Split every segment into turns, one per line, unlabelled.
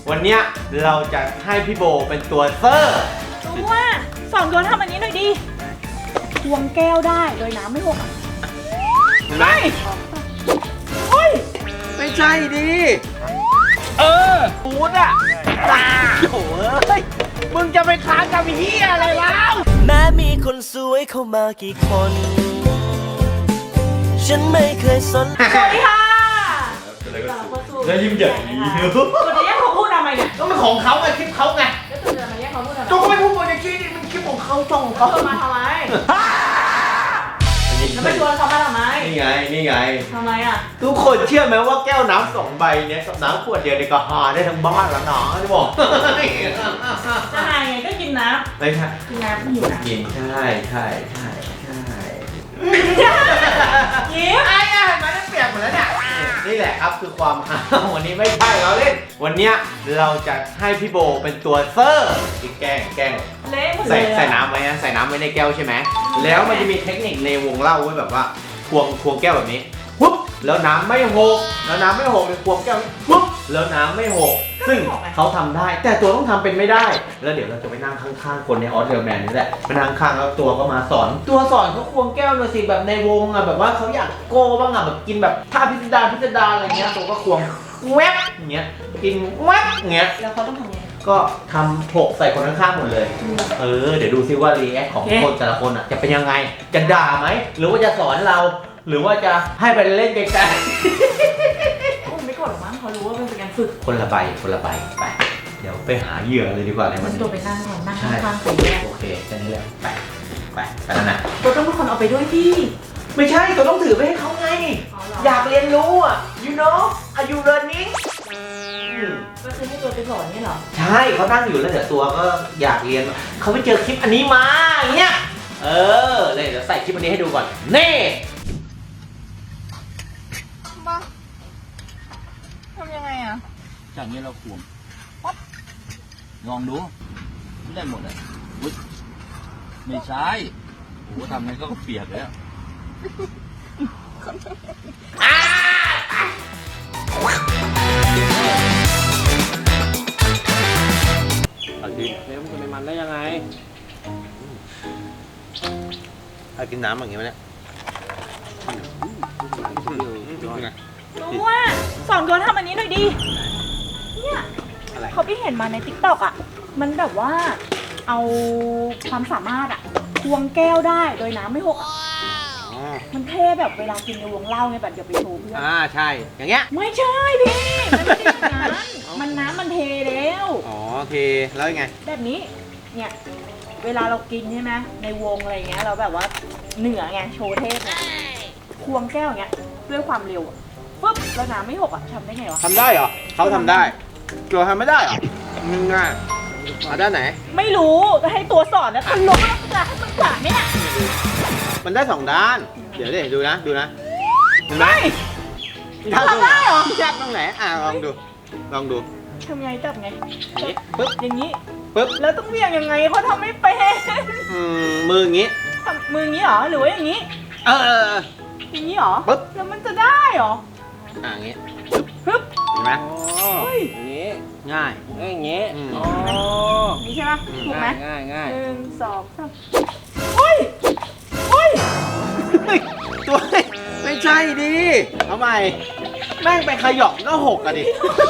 วันเนี้ยเราจะให้พี่โบเป็นตัวเซอร์
ตัวสอนตัวทำอันนี้หน่อยดิทวงแก้วได้โดยน้ำไม่หกไม่เฮ้ย
ไม่ใช่ดิปูดอ่ะโอ้ยมึงจะไปค้างกับเฮียอะไรแล้ว
แม้มีคนสวยเข้ามากี่คน ฉันไม่เคยสน
สวัสดีค่ะ
แล้วยิ้มใหญ่
ตัวจะแยกเขาพูดทำไมเนี่ย
ก็มันของเขาไงคลิปเขาไง
แล้วตัวจะมาแยกเขาพูดทำไม
ก็ไม่พูดบนอย่างนี้นี่มันคลิปของเขาจ้องของเขา
มาทำไมแล้วไม่ชวนเขามาทำไม
นี่ไง
ทำไมอ่ะ
ทุกคนเชื่อไหมว่าแก้วน้ำ2 ใบเนี้ยกับน้ำขวดเดียวเนี่ยก็หาได้ทั้งบ้านแล้วนะจะบอก
จะหาไงก็กินน้
ำไม่ใช่
กินน้ำหิวนะ
กินใช่
ยิ้ม
ไอ้อะมันเปียกหมดแล้วเนี่ยนี่แหละครับคือความฮาวันนี้ไม่ใช่เราเล่นวันเนี้ยเราจะให้พี่โบเป็นตัวเซอร์ที่แกล้ง
เละหมดเลย
ใส่น้ำไว้นะใส่น้ำไว้ในแก้วใช่ไหมแล้วมันจะมีเทคนิคในวงเล่าไว้แบบว่าควงแก้วแบบนี้ปุ๊บแล้วน้ำไม่หกเลยควงแก้วปุ๊บแล้วน้ำไม่หกซึ่งเขาทำได้แต่ตัวต้องทำเป็นไม่ได้แล้วเดี๋ยวเราจะไปนั่งข้างๆคนในออสเตรเลียนี่แหละไปนั่งข้างแล้วตัวก็มาสอนเขาควงแก้วหน่อยสิแบบในวงอ่ะแบบว่าเขาอยากโก้บ้างอ่ะแบบกินแบบท่าพิสดารอะไรเงี้ยตัวก็ควงแวบอย่างเงี้ยกินแวบอย่างเงี้ย
แล้วเขาต้องทำยังไง
ก็ทำโผล่ใส่คนข้างๆหมดเลยเดี๋ยวดูซิว่ารีแอคของคนแต่ละคนอ่ะจะเป็นยังไงจะด่าไหมหรือว่าจะสอนเราหรือว่าจะให้ไปเล่นไกล
ๆไม่กดหรอกมั้งเขารู้ว่าเป็นการฝึก
คนละใบไปเดี๋ยวไปหาเหยื่อเลยดีกว่าในวันนี้
ตัวไปนั่งก่อนนั่งข้างๆใส่แก้ว
โอเคแค่นี้แหละไปแล้วนะ
ตัวต้องเป็นคนเอาไปด้วยพี่
ไม่ใช่ตัวต้องถือไปให้เขาไงอยากเรียนรู้อ่ะ you know are you learning
ก็คือให้ตัวไปสอนนี่เหรอ
ใช่เขานั่งอยู่แล้วเดี๋ยวตัวก็อยากเรียนเขาไปเจอคลิปอันนี้มาอย่างเงี้ยเลยเดี๋ยวใส่คลิปอันนี้ให้ดูก่อนนี่
มาทำยังไงอ่ะ
จากนี้เราควงปั๊บลองดูไม่ได้หมดอ่ะไม่ใช่โอ้ทำไงก็เปียกเลยอ่ะ
เอาดิแล้วมันจะไม่มันได้ยังไงถ้ากินน้ำอย่างเงี้ยเนี่ย
รู้ว่าสอนตัวทำอันนี้หน่อยดิเนี่ยเขาไปเห็นมาใน TikTok อ่ะมันแบบว่าเอาความสามารถอ่ะควงแก้วได้โดยน้ำไม่หกมันเท่แบบเวลากินในวงเล่าไงแบบอย่าไปโชว์เพื่อน
ใช่อย่างเงี้ย
ไม่ใช่พี่มันไม่ใช่อย่างนั้นมันน้ำมันเทแล้ว
เทแล้วยังไง
แบบนี้เนี่ยเวลาเรากินใช่ไหมในวงอะไรเงี้ยเราแบบว่าเหนือไงโชว์เทพไงควงแก้วอย่างเงี้ยด้วยความเร็วปุ๊บแล้วน้ำไม่หกอ่ะทำได้ไงวะ
ทำได้เหรอเขาทำได้ตัวทำไม่ได้เหรอมึงอ่ะด้านไหน
ไม่รู้จะให้ตัวสอนนะทะลุจะให้มันขาดเนี่ย
มันได้2 ด้านเดี๋ยวดูนะ
ไม่ทำได้เหรอ
แยกตรงไหนลองดู
ทำไงจับไง
ปึ๊บ
อย่างนี้
ปึ๊บ
แล้วต้องเบี่ยงยังไงเขาทำไม่เป็น
มืออย่างนี้
มืออย่างนี้เหรอหรือว่าอย่างนี้อย่างนี้เหรอ
ปึ๊บ
แล้วมันจะได้เหรอ
อย่างนี้
ปึ๊บ
เห็นไหม
อย่างนี้
ง่าย
อย่างนี้
นี่ใช่ไหมถูกไหม
ง่าย
1 2 3เฮ้ย
ตัวไม่ใช่ดิเอาใหม่แม่งไปขยอกก็หกอะดิ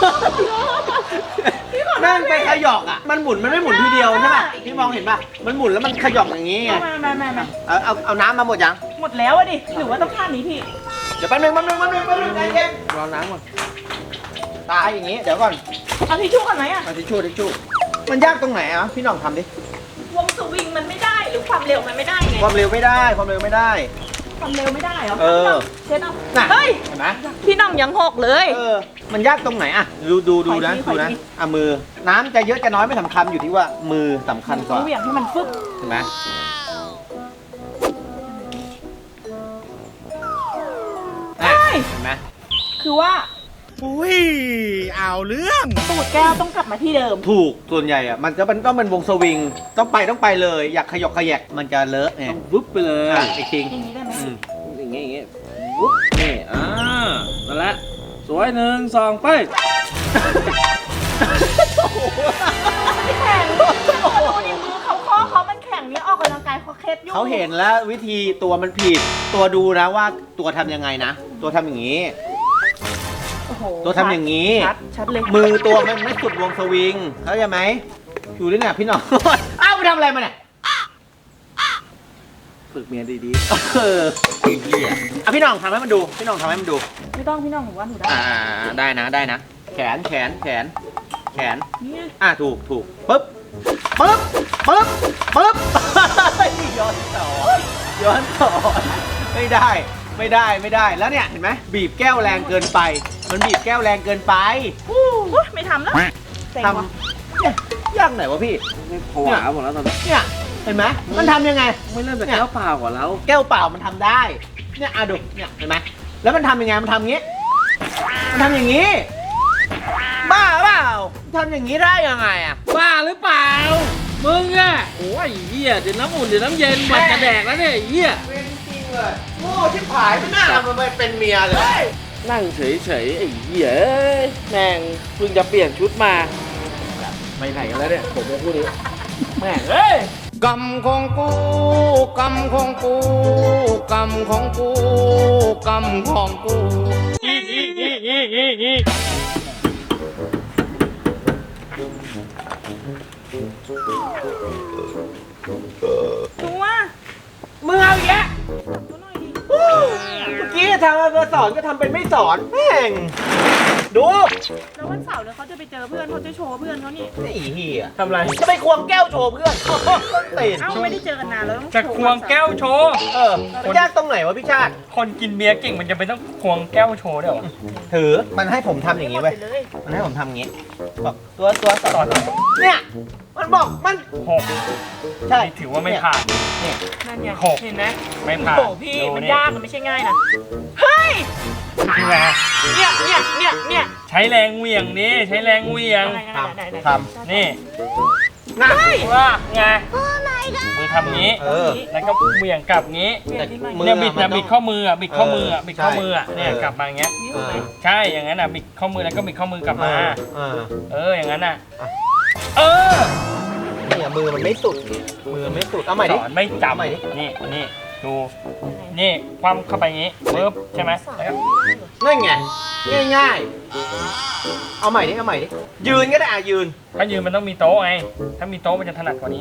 แม่งไปขยอกอะมันหมุนมันไม่หมุนทีเดียวใช่ไหมพี่มองเห็นป่ะมันหมุนแล้วมันขยอกอย่างนี้ไง
ไม่
เอาน้ำมาหมดยัง
หมดแล้วอะดิหรือว่าต้องท่านี้พี่
เดี๋ยวแป๊บนึงใจเย็นรอน้ำก่อนตายอย่างนี้เดี๋ยวก่อน
เอาทิชชู่ก่อนไหมอะ
เอาทิชชู่มันยากตรงไหนอ่ะพี่น้องทำดิ
วงสวิงมันไม่ได้หรือความเร็วมันไม่ได้ไง
ความเร็วไม่ได้
ความเร็วไม่ได้เหรอเช็ดเอาเฮ้ย
เห็นไหม
พี่น้องยังหกเลย
มันยากตรงไหนอ่ะดูนะมือน้ำจะเยอะจะน้อยไม่สำคัญอยู่ที่ว่ามือสำคัญกว่า
เหวี่ยงให้มันฟึบ
เห็นไหมเห็นไหม
คือว่า
อุ้ยเอาเรื่อง
ตูดแก้วต้องกลับมาที่เดิม
ถูกส่วนใหญ่อะมันจะต้องเป็นวงสวิงต้องไปเลยอยากขยอกขยกมันจะเลอะเนี่ย
วุ๊บไปเลย
อีกที
อย่างนี้ได้ไหม
อย่างงี้วุ๊บนี่นั่นแหละสวย1 2ไป
เขาเห็นแล้ววิธีตัวมันผิด ตัวดูนะว่าตัวทำยังไงนะ ตัวทำอย่างนี้
โอ้โห
ตัวทำอย่างนี้
ชัดเลย
มือตัวมันไม่สุดวงสวิง เข้าใจไหมอยู่ด้วยเนี่ยพี่น้อง อ้าวไปทำอะไรมาเนี่ย
ฝึกเมียดี
เอออ่ะพี่น้องทำให้มันดู พี่น้องทำให้มันดู
ไม่ต้องพี่น้องหนูว่าหนูได้
ได้นะได้นะ แขนแขนแขนแขน
เนี่ย
ถูกปึ๊บปึ๊บปึ๊บปึ๊บ ย้อนสอนย้อนสอนไม่ได้แล้วเนี่ยเห็นไหมบีบแก้วแรงเกินไป มันบีบแก้วแรงเกินไป
ไม่ทำแล้วเซ็ง
ท
ว่ะ
ำเนี่ยยากไหนวะพี่
ๆไม่ผวาหมดแล้วตอนนี้
เนี่ยเห็นไหมมันทำยังไง
ไม่เริ่มจากแก้วเปล่าก่อนแล้ว
แก้วเปล่ามันทำได้เนี่ยดูเนี่ยเห็นไหมแล้วมันทำยังไงมันทำอย่างงี้มันทำอย่างงี้บ้าเปล่าทำอย่างงี้ได้ยังไงอ่ะ
บ้าหรือเปล่า มึงอะโอ้ยเหี้ยเดี๋ยวน้ำอุ่นเดี๋ยวน้ำเย็นมันจะแดกแล้วเนี่ยไอ้เหี้ย
เป็นจริงเลยโง่ที่ผายไม่น่าทำมันไปเป็นเมียเลย
นั่งเฉยๆไอ้เหี้ยเอ้ยแม่งเพิ่งจะเปลี่ยนชุดมาไปไหนกันแล้วเนี่ยผมจะพูดดิแม่งเอ้ยกรรมของกูกรรมของกูกรรมของกูกรรมของกู
ตัว
มึงเอาอีกแล้ว
ตัวหน่อยดิ
เมื่อกี้ทำมาสอนก็ทำเป็นไม่สอนแม่งดู
แล้ววันเสาร์เนี่ยเขาจะไปเจอเพื่อนเขาจะโชว์เพื่อนเขานี่
ไอ้เหี้ย
ทำไร
จะไปควงแก้วโชว์เพื่อนต้นตีน
เอ้าไม่ได้เจอกันนานแล้วต้อง
จะควงแก้วโชว์
มันยากตรงไหนวะพี่ชาติ
คนกินเบียร์เก่งมันจะไปต้องควงแก้วโชว์ด้วยเหรอ
ถือมันให้ผมทำอย่างนี้
นี้
เว้ย
เลย
มันให้ผมทำอย่างนี้บอกตัวสอนเนี่ยมันบอกมัน
หก
ใช่
นี่ถือว่าไม่ผ่าน
เนี่ย
นั่นไง
หก
เห็นไหม
ไม่ผ่าน
โอ้โหพี่
ดู
มัน
นี่
ยากมันไม่ใช่ง่ายนะเฮ้ย
นี่ไง
เนี่ย
ใช้แรงเหวี่ยงนี่ใช้แรงเหวี่ยง
ท
นี่
นะ
ว่าไงมือทำงี้ แล้วก็เหวี่ยงกลับงี้
มือ
เนี่ยบิด
มัน
นะ
ต้อง
บิดข้อมืออ่ะบิดข้อมืออ่ะ
เออ
บิดข้อมืออ่ะ
ใช่
เนี่ย
เออ
กลับมาอย่างเงี้ย
เออ
ใช่อย่างนั้นอ่ะบิดข้อมือแล้วก็บิดข้อมือกลับมา
เออ
อย่างนั้นอ่ะเออ
เนี่ยมือมันไม่สุดมือมันไม่สุดเอาใหม่
ส
ดิ
อนไม่จ
ใหม่ดิ
ำนี่ดูนี่คว่ำเข้าไปอย่างงี้ปึ๊บใช่ไหมแล้วก็
นั่นไงง่ายๆเอาใหม่ดิยืนก็ได้ยืน
ถ้ายืนมันต้องมีโต๊ะไง ถ้ามีโต๊ะมันจะถนัดกว่านี้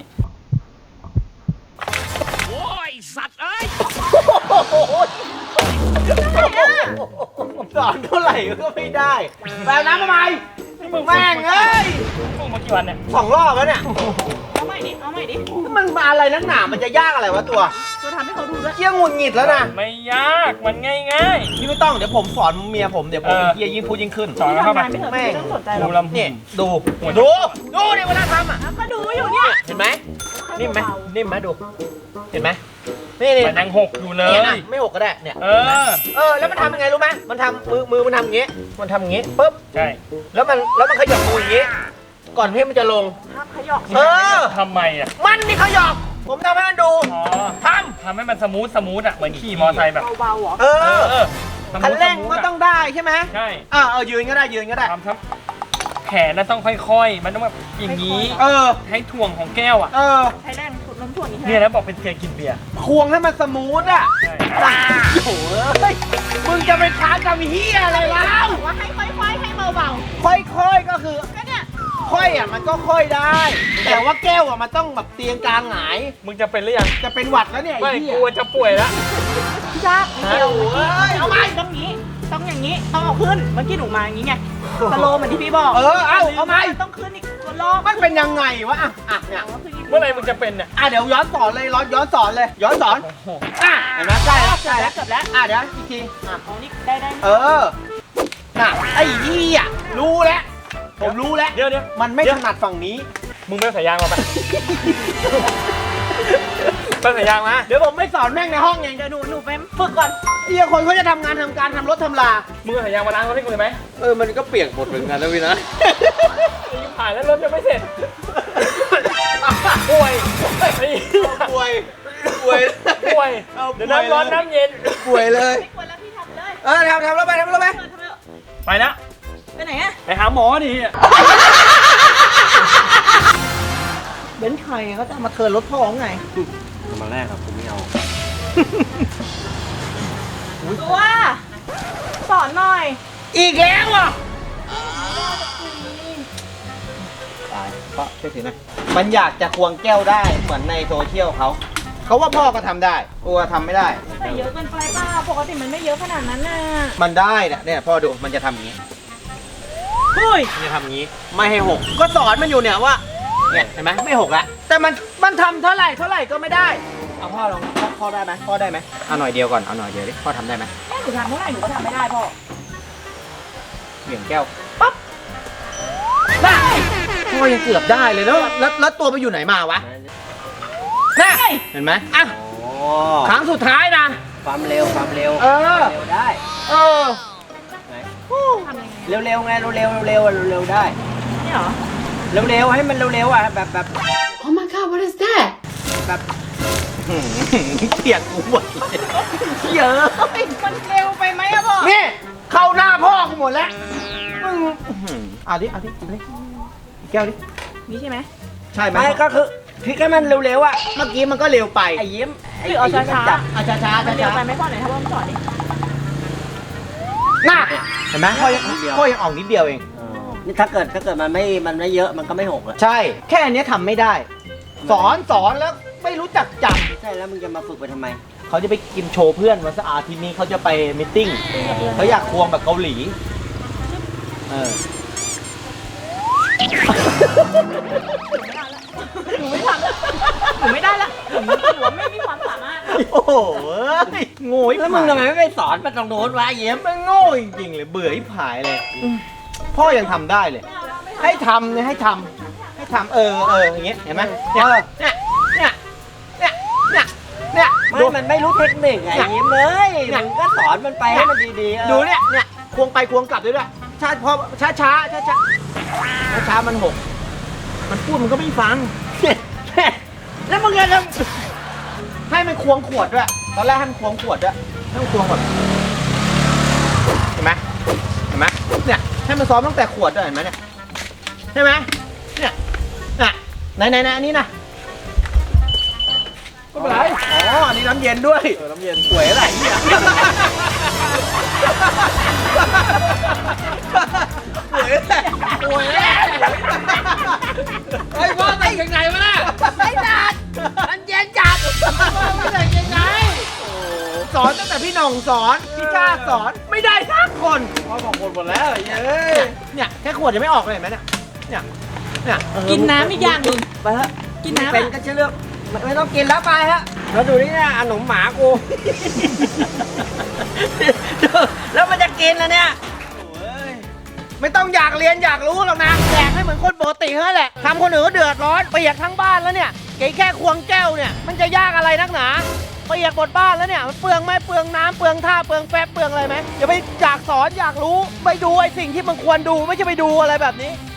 โอ้ย สัตว์เอ้ย
สอนเท่าไหร่ก็ไม่ได้แปลน้ำทำไมแม่งเอ้ย
ฝึกมากี่วันเนี่ย
2 รอบแล้วเนี่ย
เอาใหม่ดิ
มันมาอะไรนักหนามันจะยากอะไรวะตัว
ตัวทำให้เขาดูด้วย
เกี้ยงหงุดหงิดแล้วนะ
ไม่ยาก มันง่าย
พี่ไม่ต้องเดี๋ยวผมสอนเมียผมเดี๋ยวผมเป็นเฮียยิ่งพูดยิ่งขึ้น
ๆ สอนแล้วเข้าไป
ทำงานไม่เถอะ
แม่ง
ไม่ต้องสนใจหร
ดู
อก
ลำ
เนี่ยดู
หัว
ดูเนี่ยเวลาทำอ่ะ
แล้วก็ดูอยู่เนี่ย
เห็นไหมนิ่มไหมนิ่มไหมดูเห็นไหมนี่
มันยังหกอยู่เล
เนี่ย
ย
นะไม่หกก็ได้เนี่ย
เออ
แล้วมันทำยังไงรู้ไหมมันทำมือมันทำอย่างงี้มันทำอย่างงี้ปุ๊บ
ใช่
แล้วมันขยับมืออย่างงี้ ก่อนที่มันจะลง
ห้ามขยอก
เออ
ทำไมอ่ะ
มันนี่ขยับผมทำให้มันดู
อ๋อ ทำให้มันสมูทอ่ะ เหมือนขี่มอไซค์แบบ
เบาๆเหรอ
เออ
สมูท
คันเร่ง
สมูท
ก็
อะ
ต้องได้ใช่ไหม
ใช่
ยืนก็ได้
ทำครับแขนน่ะต้องค่อยๆ มันต้องแบบอย่างนี้
เออ
ให้ถ่วงของแก้วอ่ะ
ใช้แรงน้ำถ่วงนี้ใช่ไหม
เนี่ยแล้วบอกเป็นเพียกินเบียร์
ควงให้มันสมูทอ่ะ
ใช่
โอ้โหเอ้ยมึงจะไปค้านกับเฮียอะไรแล้ว
บอกว่าให้ค่อยๆให้เบา
ค่อยๆก็คือ
ๆก็เนี่ย
ค่อยอ่ะมันก็ค่อยได้ แต่ว่าแก้วอ่ะมันต้องแบบเตียงกลางหงาย
มึงจะเป็นหรือยัง
จะเป็นหวัดแล้วเนี่ย
ไม่
ไอ้เหี้ย
กลัวจะป่วยแล้ว
พี่ชาติเดียว
เอ้ยเอาไป
ต้องงี้ต้องอย่างนี้ต้องเอาขึ้นเมื่อกี้หนูมาอย่างนี้ไงสโลว์เหมือนที่พี่บอก
เอาไหม
ต้องขึ้นอีกตัวรอบ
มันเป็นยังไงวะเนี่ย
เอาขึ้นอีก
เมื่อไหรมึงจะเป็นเนี่ย
เดี๋ยวย้อนสอนเลยย้อนสอนเห็นไหมใกล้แล้ว
เกือบแล้วเกือบแล้ว
เดี๋ยวอีกที
เอานี่ได้
น่ะไอ้เหี้ยรู้แล้วผมรู้แล้ว
เดี๋ยว
มันไม่ถนัดฝั่งนี้
มึงไปเอาสายยางมาไป ไปเอาสายยางมา
เดี๋ยวผมไม่สอนแม่งในห้องเอง
เดี๋ยวหนูไปฝึกก่อน
เฮียคนเขาจะทำงานทำการทำรถทำลา
มึงเอาสายยางมาล้างรถให้กูเลยไหม
มันก็เปียกหมดเหมือนกันนะพี่นะ
ยังผ่านแล้วรถยังไม่เสร็จ ป่วยไอ้เหี้ย
ป่วย
ป่วย
เอา
เดี๋ยวน้ำร้อนน้ำเย็น
ป่วยเลย
ไม่ควรแล้วพี่ทำเลย
ทำแล้วไป
ทำเลย
ไปนะ
ไปไหนอะ
ไปหาหมอดิ
เบนซ์
ใครเขาจะมาเทิร์นรถพ่อไง
มาแรกครับผมไม่เอา
ตัวสอนหน่อย
อีกแล้วอ่ะตายก็ช่วยถือหน่อยมันอยากจะควงแก้วได้เหมือนในโซเชียลเขาว่าพ่อก็ทำได้ตัวทำไม่ได้
แต่เยอะเกินไปเปล่าปกติมันไม่เยอะขนาดนั้นน่ะ
มันได้เนี่ยพ่อดูมันจะทำอย่างนี้
เฮ้ย
มันจะทำอย่างนี้ไม่ให้หกก็สอนมันอยู่เนี่ยว่าเนี่ยเห็นไหมไม่หกละแต่มันทำเท่าไหร่ก็ไม่ได้เอาพ่อลองพ่อได้ไหมพ่อได้ไหมเอาหน่อยเดียวก่อนเอาหน่อยเดียวดิพ่อทำได้ไหม
แม่หนูทำเท่าไหร่หนูก็ทำไม่ได้พ่อ
เหวี่ยงแก้วปั๊บได้พ่อยังเกือบได้เลยแล้วตัวไปอยู่ไหนมาวะน่ะเห็นไหมอ่ะ
โอ้
ครั้งสุดท้ายนะ
ความเร็ว
เออ
เร็วได้
เออ
ทำยังไง
เร็วไงเร็วได้
นี่เหรอ
เร็วให้มันเร็วอ่ะแบบ
Oh my god, what is that?
แบบ
เถียงกูหมดเลยเยอะ
มันเร็วไปไหมอะพ่อ
นี่เข้าหน้าพ่อกูหมดแล้วมึงเอาดิแก้วดิ
นี่ใช่ไหม
ใช่ไหม
ไม่ก็คือพลิกให้มันเร็วๆอ่ะ
เมื่อกี้มันก็เร็วไป
ไอ้ยิ้ม
หรือเอาช้า
จับ
เอาช้าๆ
มันเร็วไป
ช้า
ไหมพ่อไหนถ้าว่ามันสอนดิ
ๆน่ะเห็นไหมพ่อยังออกนิดเดียวเอง
นี่ถ้าเกิดมันไม่เยอะมันก็ไม่หกเลย
ใช่ แค่อันเนี้ยทำไม่ได้ สอนแล้วไม่รู้จักจ
ใช่แล้วมึงจะมาฝึกไปทำไม
ำเขาจะไปกินโชว์เพื่อนวันเสาร์อาทิตย์นี้เขาจะไปมิทติ้งเขาอยากควงแบบเกาหลีเออ
หนูไม่ทำแล้วหนูไม่ได้ละหนูถือว่าไม่มีความสามารถ
โอ้โหโง่
แล้วมึงทำไมไม่ไปสอนมันตรงโน้นวะยิ้ม
มันโง่จริงๆเลยเบื่อที่ผายเลยพ่อยังทำได้เลย ให้ทำเนี่ยให้ทำอย่างเงี้ยเห็นไหมเนี่ย
ไม่มันไม่รู้เทคนิคไงยิ้มเลยมึงก็สอนมันไปให้มันดีๆ
ดูเนี่ยควงไปควงกลับด้วยช้าพอช้ามันหกมันพูดมันก็ไม่ฟังแล้วมึงจะให้มันควงขวดด้วยตอนแรกให้มันควงขวดด้วยให้มันควงแบบเห็นไหมเนี่ยให้มันซ้อมตั้งแต่ขวดด้วยเห็นไหมเนี่ยใช่ไหมเนี่ยไหนอันนี้นะก็เป็นไรอ๋ออันนี้น้ำเย็นด้วยน้ำเย็นป่วยอะไรเนี่ยป่วยไอ้พ่อใส่ยังไงวะน่ะไม่จัดมันเย็นจัดไม่ใส่ยังไงสอนตั้งแต่พี่หน่องสอนพี่ชาสอนไม่ได้สักคนพ่อบอกคนหมดแล้วเนี่ยแค่ขวดจะไม่ออกเลยเห็นไหมเนี่ย
กินน้ำอีกอย่างหนึ่ง
ไปเถอะ
กินน้ำ
เป็นก็จะเลือกไม่ต้องกินแล้วไปฮะแล้วดูนี่นะขนมหมากูแล้วมันจะกินแล้วเนี่ยไม่ต้องอยากเรียนอยากรู้หรอกนะแจกให้เหมือนคนปกติเท่านั้นแหละทำคนอื่นก็เดือดร้อนเปียกทั้งบ้านแล้วเนี่ยแค่ควงแก้วเนี่ยมันจะยากอะไรนักหนาเปียกหมดบ้านแล้วเนี่ยมันเปลืองไหมเปลืองน้ำเปลืองท่าเปลืองแป๊บเปลืองอะไรไหมอย่าไปอยากสอนอยากรู้ไปดูไอ้สิ่งที่มันควรดูไม่ใช่ไปดูอะไรแบบนี้